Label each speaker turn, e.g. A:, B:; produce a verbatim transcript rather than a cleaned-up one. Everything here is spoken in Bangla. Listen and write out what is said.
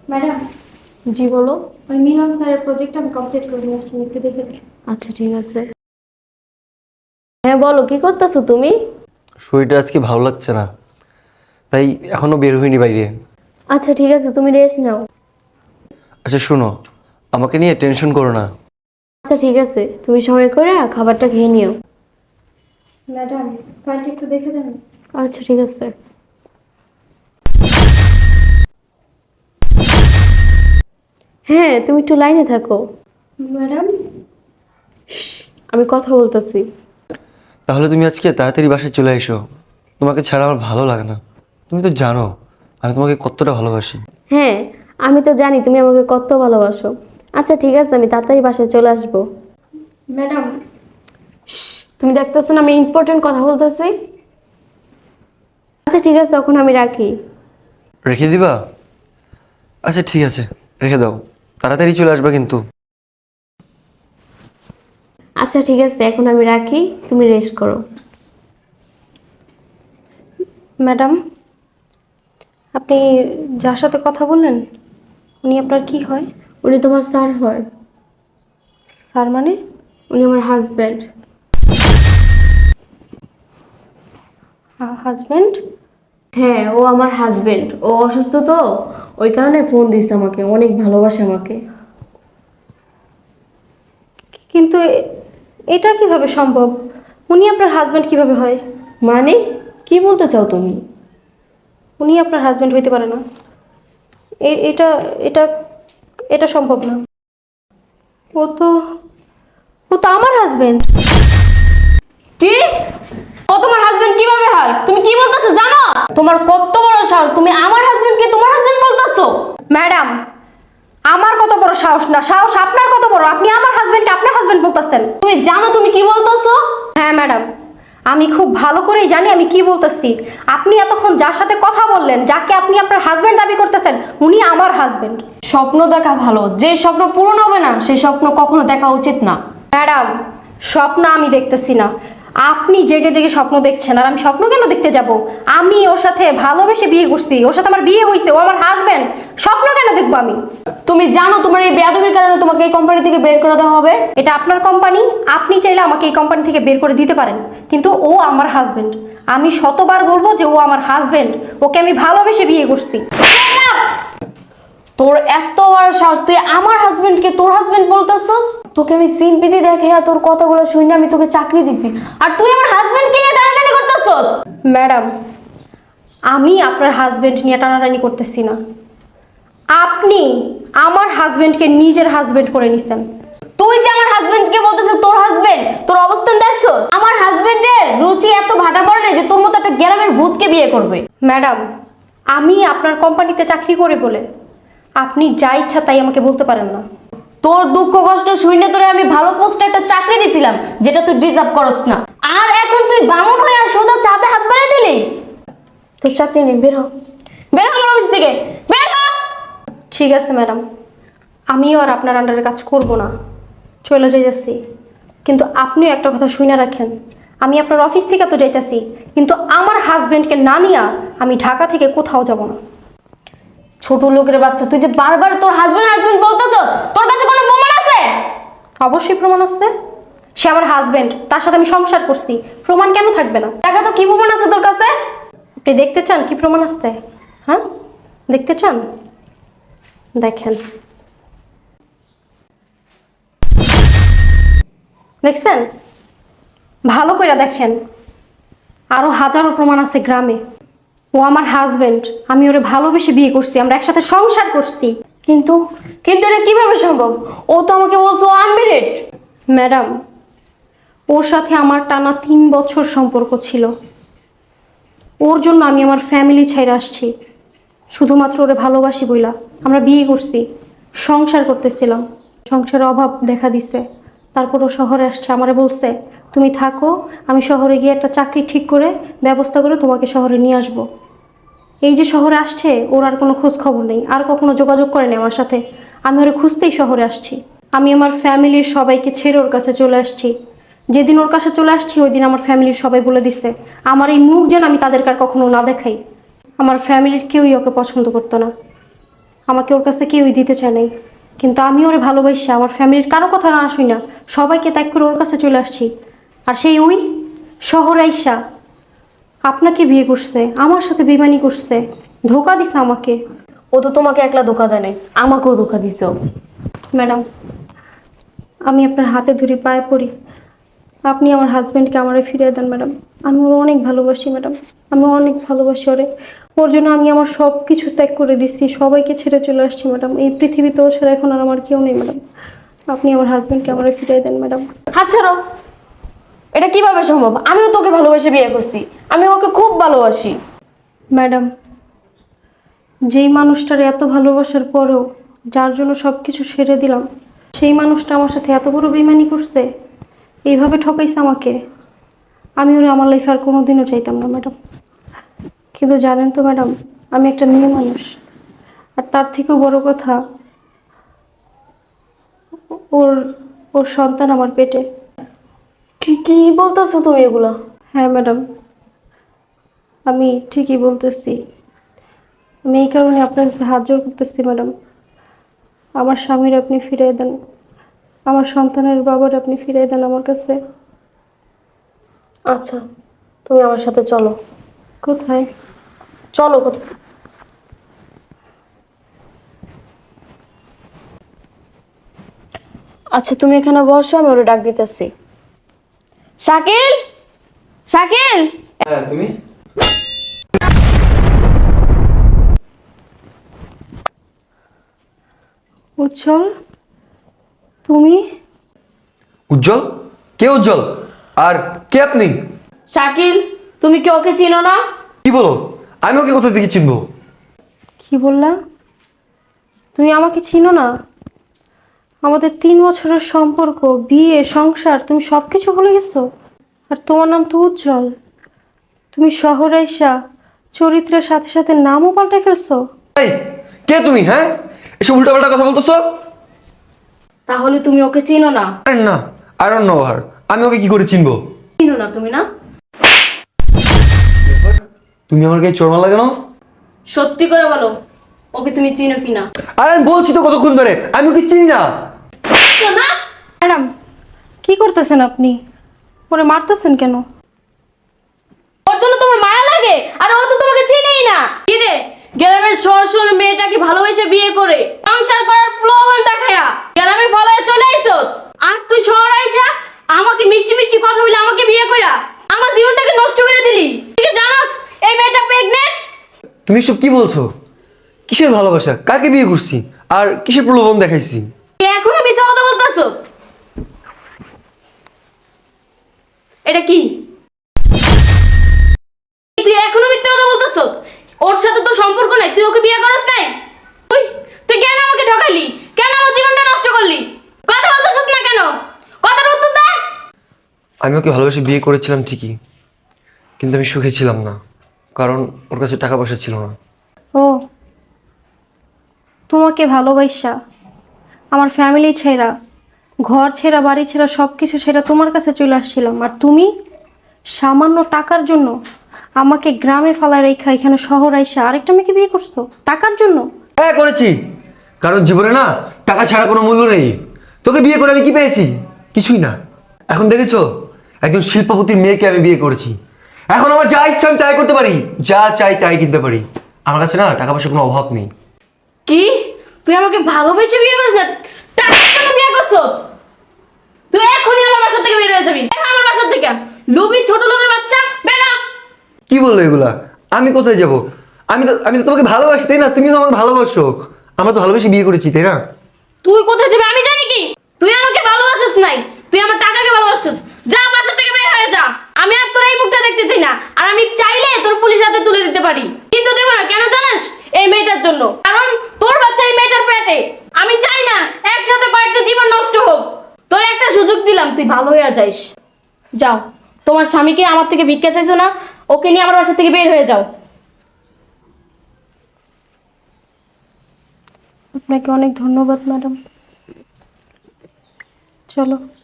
A: ম্যাডাম,
B: জি বলো।
A: ওই মিলন স্যারের প্রজেক্ট আমি কমপ্লিট করে নিয়ে আসছি, একটু দেখে দিন।
B: আচ্ছা ঠিক আছে। হ্যাঁ বলো, কি করতেছো তুমি?
C: শরীরটা আজকে ভালো লাগছে না, তাই এখনো বের হইনি বাইরে।
B: আচ্ছা ঠিক আছে, তুমি রেস্ট নাও।
C: আচ্ছা শোনো, আমাকে নিয়ে টেনশন করো না।
B: আচ্ছা ঠিক আছে, তুমি সময় করে খাবারটা খেয়ে নিও।
A: ম্যাডাম, ফাইলটা একটু দেখে দেন।
B: আচ্ছা ঠিক আছে। হ্যাঁ তুমি একটু লাইনে থাকো।
A: ম্যাডাম,
B: আমি কথা বলতেছি।
C: তাহলে তুমি আজকে তাড়াতাড়ি বাসায় চলে এসো, তোমাকে ছাড়া আমার ভালো লাগে না। তুমি তো জানো আমি তোমাকে কতটা ভালোবাসি।
B: হ্যাঁ, আমি তো জানি তুমি আমাকে কত ভালোবাসো। আচ্ছা ঠিক আছে, আমি তাড়াতাড়ি বাসায় চলে আসবো।
A: ম্যাডাম,
B: তুমি দেখতেছো না আমি ইম্পর্টেন্ট কথা বলতেছি। আচ্ছা ঠিক আছে, এখন আমি রাখি।
C: রেখে দিবা? আচ্ছা ঠিক আছে, রেখে দাও, তাড়াতাড়ি চলে আসবে কিন্তু।
B: আচ্ছা ঠিক আছে, এখন আমি রাখি, তুমি রেস্ট করো।
A: ম্যাডাম, আপনি যার সাথে কথা বললেন উনি আপনার কি হয়?
B: উনি তোমার স্যার হয়।
A: স্যার মানে?
B: উনি আমার হাজব্যান্ড।
A: হাজব্যান্ড?
B: হ্যাঁ, ও আমার হাজবেন্ড। ও অসুস্থ তো, ওই কারণে ফোন দিছে আমাকে, অনেক ভালোবাসে আমাকে।
A: কিন্তু এ- এটা কিভাবে সম্ভব? উনি আপনার হাজব্যান্ড কিভাবে হয়?
B: মানে কি বলতে চাও তুমি?
A: উনি আপনার হাজব্যান্ড হইতে পারে না। এ- এটা এটা এটা সম্ভব না। ও তো ও তো আমার হাজব্যান্ড।
B: কি? ও তোমার হাজবেন্ড কিভাবে হয়? তুমি কি বলতেছো জানো? তোমার কত বড় সাহস, তুমি আমার হাজবেন্ডকে তোমার হাজবেন্ড বলতেছো?
A: ম্যাডাম, আমার কত বড় সাহস না, সাহস আপনার কত বড়? আপনি আমার হাজবেন্ডকে আপনার হাজবেন্ড বলতেছেন?
B: তুমি জানো তুমি কি বলতেছো?
A: হ্যাঁ ম্যাডাম, আমি খুব ভালো করেই জানি আমি কি বলতেছি। আপনি এতক্ষণ যার সাথে কথা বললেন, যাকে আপনি আপনার হাজবেন্ড দাবি করতেছেন, উনি আমার হাজবেন্ড।
B: স্বপ্ন দেখা ভালো, যে স্বপ্ন পূরণ হবে না সেই স্বপ্ন কখনো দেখা উচিত না।
A: ম্যাডাম, স্বপ্ন আমি দেখতেছি না, আপনি জেগে জেগে স্বপ্ন দেখছেন। আর আমি স্বপ্ন কেন দেখতে যাব? আমি ওর সাথে ভালোবেসে বিয়ে করছি, ওর সাথে আমার বিয়ে হয়েছে, ও আমার হাজবেন্ড। স্বপ্ন কেন দেখবো আমি?
B: তুমি জানো তোমার এই বেয়াদবির কারণে তোমাকে এই কোম্পানি থেকে বের করে দেওয়া হবে।
A: এটা আপনার কোম্পানি, আপনি চাইলে আমাকে এই কোম্পানি থেকে বের করে দিতে পারেন, কিন্তু ও আমার হাজবেন্ড। আমি শতবার বলবো যে ও আমার হাজবেন্ড, ওকে আমি ভালোবেসে বিয়ে করছি।
B: তোর এত বড় সাহস, তুই আমার হাজবেন্ডকে তোর হাজবেন্ড বলতেছস? তোকে আমি সিম্পিতি দেখে আর তোর কথাগুলো শুনে আমি তোকে চাকরি দিছি, আর তুই আমার হাজবেন্ডকে নিয়ে টানাটানি করতেছস?
A: ম্যাডাম, আমি আপনার হাজবেন্ড নিয়ে টানাটানি করতেছি না, আপনি আমার হাজবেন্ডকে নিজের হাজবেন্ড করে নিছেন।
B: তুই যে আমার হাজবেন্ডকে বলতেছিস তোর হাজবেন্ড, তোর অবস্থান দেখছস? আমার হাজবেন্ডের রুচি এত ভাটা পড়ে না যে তোর মতো একটা গ্রামের ভূতকে বিয়ে করবে।
A: ম্যাডাম, আমি আপনার কোম্পানিতে চাকরি করে বলে আপনি যা ইচ্ছা তাই আমাকে বলতে পারেন না।
B: তোর দুঃখ কষ্ট শুনে তোরে আমি ভালো পোস্টে একটা চাকরি দিছিলাম, যেটা তুই ডিজার্ভ করস না। আর এখন তুই বামুন হয়ে আর সোজা চাঁদে হাত বাড়িয়ে দিলি। তোর চাকরি নেই, বের হ, বের হ আমার অফিস থেকে, বের হ।
A: ঠিক আছে ম্যাডাম, আমিও আর আপনার আন্ডারে কাজ করব না, চলে যাইতেছি। কিন্তু আপনিও একটা কথা শুনে রাখেন, আমি আপনার অফিস থেকে তো যাইতেছি, কিন্তু আমার হাজবেন্ডকে না নিয়া আমি ঢাকা থেকে কোথাও যাব না।
B: ছোট লোকের বাচ্চা, তুই যে বারবার তোর হাজবেন্ড হাজবেন্ড বলতেছ, তোর কাছে কোনো প্রমাণ আছে?
A: অবশ্যই প্রমাণ আছে, সে আমার হাজবেন্ড, তার সাথে আমি সংসার করছি, প্রমাণ কেন থাকবে না?
B: দেখা তো কি প্রমাণ আছে তোর কাছে?
A: আপনি দেখতে চান কি প্রমাণ আছে? হ্যাঁ, দেখতে চান? দেখেন, দেখছেন? ভালো করে দেখেন, আরো হাজারো প্রমাণ আছে গ্রামে। ও আমার হাজবেন্ড, আমি ওরে ভালোবেসে বিয়ে করছি, আমরা একসাথে সংসার করছি।
B: কিন্তু কিন্তু এটা কিভাবে সম্ভব? ও তো আমাকে বলছো আনমেরিড।
A: ম্যাডাম, ওর সাথে আমার টানা তিন বছর সম্পর্ক ছিল। ওর জন্য আমি আমার ফ্যামিলি ছেড়ে আসছি, শুধুমাত্র ওরে ভালোবাসি বইলা আমরা বিয়ে করছি, সংসার করতেছিলাম। সংসারের অভাব দেখা দিছে, তারপর ও শহরে আসছে, আমারে বলছে তুমি থাকো, আমি শহরে গিয়ে একটা চাকরি ঠিক করে ব্যবস্থা করে তোমাকে শহরে নিয়ে আসবো। এই যে শহরে আসছে, ওর আর কোনো খোঁজ খবর নেই, আর কখনো যোগাযোগ করেনি আমার সাথে। আমি ওরে খুঁজতেই শহরে আসছি, আমি আমার ফ্যামিলির সবাইকে ছেড়ে ওর কাছে চলে আসছি। যেদিন ওর কাছে চলে আসছি ওই দিন আমার ফ্যামিলির সবাই বলে দিছে আমার এই মুখ যেন আমি তাদেরকে আর কখনো না দেখাই। আমার ফ্যামিলির কেউই ওকে পছন্দ করতো না, আমাকে ওর কাছে কেউই দিতে চায় নাই, কিন্তু আমি ওরে ভালোবাসি, আমার ফ্যামিলির কারো কথা না শুই না, সবাইকে ত্যাগ করে ওর কাছে চলে আসছি। আর সেই ওই শহর আইসা আপনাকে বিয়ে করছে, আমার সাথে বেইমানি করছে, ধোকা দিছে আমাকে।
B: ও তো তোমাকে একলা ধোকা দেয় নাই, আমাকেও ধোকা দিছে ও।
A: ম্যাডাম, আমি আপনার হাতে ধরে পায়ে পড়ি, আপনি আমার হাজব্যান্ডকে আমারে ফিরিয়ে দেন ম্যাডাম। আমি ওর অনেক ভালোবাসি ম্যাডাম, আমি অনেক ভালোবাসি ওরে। ওর জন্য আমি আমার সব কিছু ত্যাগ করে দিচ্ছি, সবাইকে ছেড়ে চলে আসছি ম্যাডাম। এই পৃথিবীতে ও ছাড়া এখন আর আমার কেউ নেই ম্যাডাম। আপনি আমার হাজব্যান্ডকে আমারে ফিরিয়ে দেন ম্যাডাম।
B: হাত ছাড়ো। এটা কিভাবে সম্ভব? আমিও তোকে ভালোবেসে বিয়ে করছি, আমি ওকে খুব ভালোবাসি।
A: ম্যাডাম, যেই মানুষটার এত ভালোবাসার পরেও যার জন্য সব কিছু সেরে দিলাম, সেই মানুষটা আমার সাথে এত বড় বেইমানি করছে, এইভাবে ঠকাইছে আমাকে। আমি ওরা আমার লাইফে আর কোনোদিনও চাইতাম না ম্যাডাম। কিন্তু জানেন তো ম্যাডাম, আমি একটা মেয়ে মানুষ, আর তার থেকেও বড় কথা, ওর ওর সন্তান আমার পেটে।
B: কি কি বলতেছো তুমি এগুলা?
A: হ্যাঁ ম্যাডাম, আমি ঠিকই বলতেছি। আমি এই কারণে আপনার কাছে হাত জোড় করতেছি ম্যাডাম, আমার স্বামীর আপনি ফিরিয়ে দেন, আমার সন্তানের বাবার আপনি ফিরিয়ে দেন আমার কাছে।
B: আচ্ছা, তুমি আমার সাথে চলো।
A: কোথায়?
B: চলো কোথায়? আচ্ছা তুমি এখানে বসো, আমি ওরে ডাক দিতেছি। শাকিল, শাকিল।
C: হ্যাঁ তুমি?
A: উজ্জ্বল, তুমি?
C: উজ্জ্বল? কে উজ্জ্বল? আর কে আপনি?
B: শাকিল, তুমি কি ওকে চিনো না?
C: কি বলো? আমি ওকে কোথা থেকে চিনবো?
A: কি বললা? তুমি আমাকে চিনো না? আমাদের তিন বছরের সম্পর্ক, বিয়ে, সংসার, তুমি সব কিছু ভুলে গেছো? আর তোমার নাম তো উজ্জ্বল। তুমি শহরে আইসা চরিত্রের সাথে সাথে নামও পাল্টে ফেলছো।
C: এই, কে তুমি? হ্যাঁ, এসব উল্টাপাল্টা কথা বলতেছো?
B: তাহলে তুমি ওকে চিনো না?
C: আরে না, আই ডোন্ট নো হার। আমি ওকে কি করে চিনবো?
B: চিনো না তুমি না?
C: তুমি আমার গায়ে চড় মারলা কেন?
B: সত্যি করে বলো, ওকে তুমি চিনো কিনা?
C: আরে আমি বলছি তো কতক্ষণ ধরে, আমি ওকে চিনি না।
B: না,
A: ম্যাডাম, কি করতেছেন আপনি? ওরে মারতেছেন কেন?
B: ওর জন্য তোমার মায়া লাগে? আর ও তো তোমাকে চিনেই না। কি রে, গ্রামের সরসর মেয়েটাকে ভালোবেসে বিয়ে করে সংসার করার প্রলোভন দেখায়া গ্রামে ফলায় চলে আইছো। আর তুই শহর আইসা আমাকে মিষ্টি মিষ্টি কথা বলে আমাকে বিয়ে কইরা আমার জীবনটাকে নষ্ট করে দিলি। তুই কি জানোস এই মেয়েটা প্রেগনেন্ট?
C: তুমি সব কি বলছো? কিসের ভালোবাসা? কাকে বিয়ে করছি? আর কিসের প্রলোভন দেখাইছি?
B: তুই এখনো মিছা কথা বলতাছো? এটা কি? তুই এখনো মিথ্যা কথা বলতাছো? ওর সাথে তো সম্পর্ক নাই, তুই ওকে বিয়ে করস নাই? তুই তুই কেন আমাকে ঠকাইলি? কেন আমার জীবনটা নষ্ট করলি? কথা বলতাছ না কেন? কথার উত্তর দে।
C: আমি ওকে ভালোবেসে বিয়ে করেছিলাম ঠিকই, কিন্তু আমি সুখে ছিলাম না, কারণ ওর কাছে টাকা পয়সা ছিল না।
A: ও, তোমাকে ভালোবাসা আমার ফ্যামিলি ছেড়া, ঘর ছেড়া, বাড়ি ছেড়া, সব কিছু ছেড়া তোমার কাছে চলে আসছিলাম, আর তুমি সামান্য টাকার জন্য আমাকে গ্রামে ফালায় রেখা এখানে শহর আইসা আরেকটা মেয়েকে বিয়ে করছো টাকার জন্য?
C: হ্যাঁ করেছি, কারণ জীবনে না টাকা ছাড়া কোনো মূল্য নেই। তোকে বিয়ে করে আমি কি পেয়েছি? কিছুই না। এখন দেখেছো, একজন শিল্পপতির মেয়েকে আমি বিয়ে করেছি। এখন আমার যা ইচ্ছা আমি তাই করতে পারি, যা চাই তাই কিনতে পারি। আমার কাছে না টাকা পয়সার কোনো অভাব নেই।
B: কি? তুই আমাকে ভালোবেসে বিয়ে করিস না, টাকার জন্য বিয়ে করছো? তুই এখনই আমার বাসা থেকে বের হয়ে যাবি। বের হ আমার বাসা থেকে, লুবি ছোট লোকের বাচ্চা, বের হ।
C: কি বললো এগুলা? আমি কোথায় যাব? আমি তো আমি তো তোমাকে ভালোবাসি, তাই না? তুমি তো আমাকে ভালোবাসো। আমরা তো ভালোবেসে বিয়ে করেছি, তাই না?
B: তুই কোথায় যাবি আমি জানি কি? তুই আমাকে ভালোবাসিস নাই, তুই আমার টাকাকে ভালোবাসিস। যা বাসা থেকে বের হয়ে যা। আমি আর তোর এই মুখটা দেখতে চাই না। আর আমি চাইলে তোর পুলিশ হাতে তুলে দিতে পারি, কিন্তু দেব না। কেন জানিস? এই মেয়েটার জন্য। কারণ তোর বাচ্চা এই মেয়েটার পেটে। আমি চাই না একসাথে কয়েকটা জীবন নষ্ট হোক। তোর একটা সুযোগ দিলাম, তুই ভালো হয়ে যাইস। যাও, তোমার স্বামীকে আমার থেকে ভিক্ষা চাইছো না, ওকে নিয়ে আমার বাসা থেকে বের হয়ে যাও।
A: আপনাকে অনেক ধন্যবাদ ম্যাডাম। চলো।